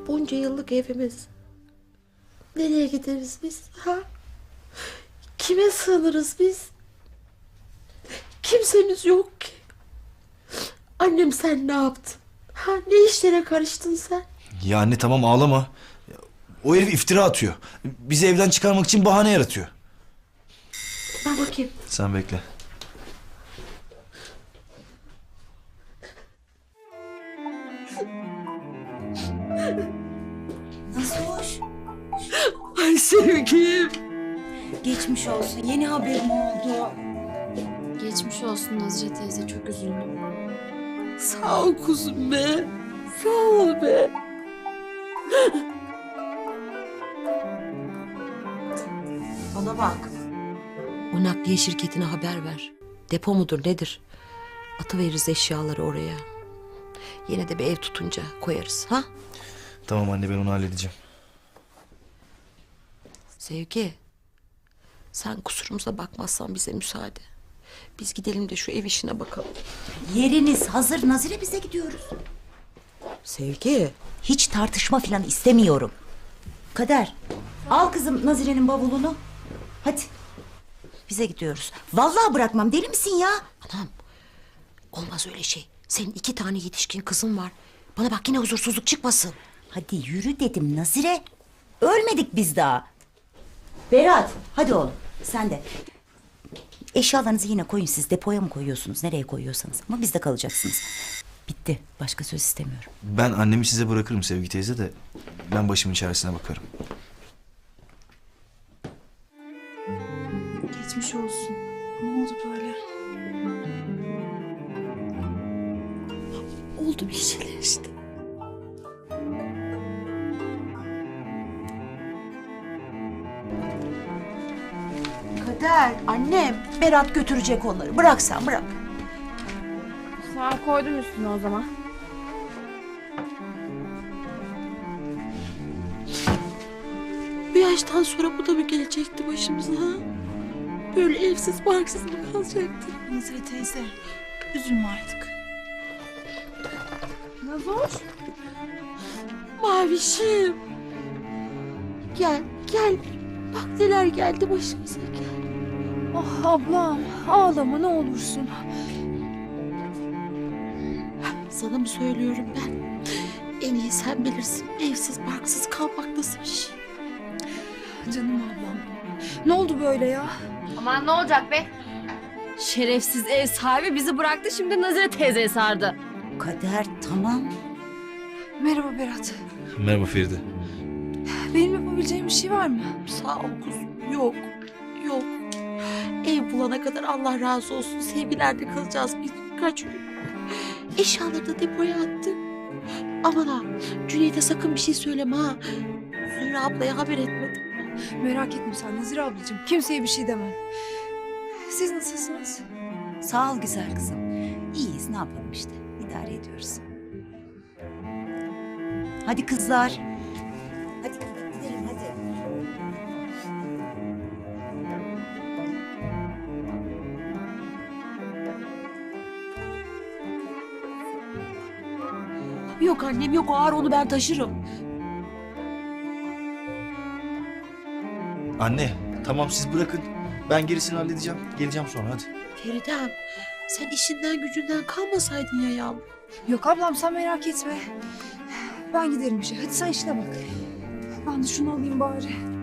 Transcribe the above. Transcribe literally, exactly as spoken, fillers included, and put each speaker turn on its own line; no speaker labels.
Bunca yıllık evimiz. Nereye gideriz biz? Ha? Kime sığınırız biz? Kimsemiz yok ki. Annem sen ne yaptın? Ha, ne işlere karıştın sen?
Ya anne tamam ağlama. O herif iftira atıyor. Bizi evden çıkarmak için bahane yaratıyor.
Ben bakayım.
Sen bekle.
Nasıl hoş?
Ay sevgilim.
Geçmiş olsun. Yeni haberim oldu.
Geçmiş olsun Nazire teyze, çok üzüldüm.
Sağ ol kuzum be. Sağ ol be. Bana bak. O nakliye şirketine haber ver. Depo mudur nedir? Atıveririz eşyaları oraya. Yine de bir ev tutunca koyarız ha?
Tamam anne ben onu halledeceğim.
Sevgi. Sen kusurumuza bakmazsan bize müsaade. Biz gidelim de şu ev işine bakalım.
Yeriniz hazır. Nazire bize gidiyoruz.
Sevgi.
Hiç tartışma falan istemiyorum. Kader, al kızım Nazire'nin bavulunu. Hadi. Bize gidiyoruz. Vallahi bırakmam. Deli misin ya?
Anam. Olmaz öyle şey. Senin iki tane yetişkin kızın var. Bana bak yine huzursuzluk çıkmasın.
Hadi yürü dedim Nazire. Ölmedik biz daha. Berat, hadi oğlum. Sen de. Eşyalarınızı yine koyun siz. Depoya mı koyuyorsunuz? Nereye koyuyorsanız. Ama bizde kalacaksınız. Bitti. Başka söz istemiyorum.
Ben annemi size bırakırım Sevgi teyze de ben başımın çaresine bakarım.
Geçmiş olsun. Ne oldu böyle?
Oldu bir şeyler işte.
Kader, annem. Berat götürecek onları. Bırak sen, bırak.
Sen koydum üstüne o zaman.
Bu yaştan sonra bu da mı gelecekti başımıza ha? Böyle evsiz barksız mı kalacaktı?
Nazire teyze, üzülme artık.
Nazoş.
Mavişim. Gel, gel. Bak neler geldi başımıza gel.
Ah ablam, ağlama ne olursun.
Sana mı söylüyorum ben? En iyi sen bilirsin. Evsiz barksız kalmak nasıl bir şey?
Canım ablam. Ne oldu böyle ya?
Aman ne olacak be? Şerefsiz ev sahibi bizi bıraktı, şimdi Nazire teyzeye sardı.
Kader, tamam.
Merhaba Berat.
Merhaba Feride.
Benim yapabileceğim bir şey var mı?
Sağ ol kuzum. Yok, yok. Ev bulana kadar Allah razı olsun. Sevgilerde kalacağız bir birkaç gün. Eşyaları da depoya attık. Aman ha, Cüneyt'e sakın bir şey söyleme ha. Zühre ablaya haber etmedim.
Merak etme sen Nazire ablacığım. Kimseye bir şey demem. Siz nasılsınız?
Sağ ol güzel kızım. İyiyiz, ne yapalım işte. İdare ediyoruz. Hadi kızlar. Hadi gidelim hadi.
Yok annem yok, o ağır, onu ben taşırım.
Anne tamam siz bırakın. Ben gerisini halledeceğim. Geleceğim sonra hadi.
Feridem, sen işinden gücünden kalmasaydın ya yavrum.
Yok ablam sen merak etme. Ben giderim işe. Hadi sen işine bak. Ben de şunu alayım bari.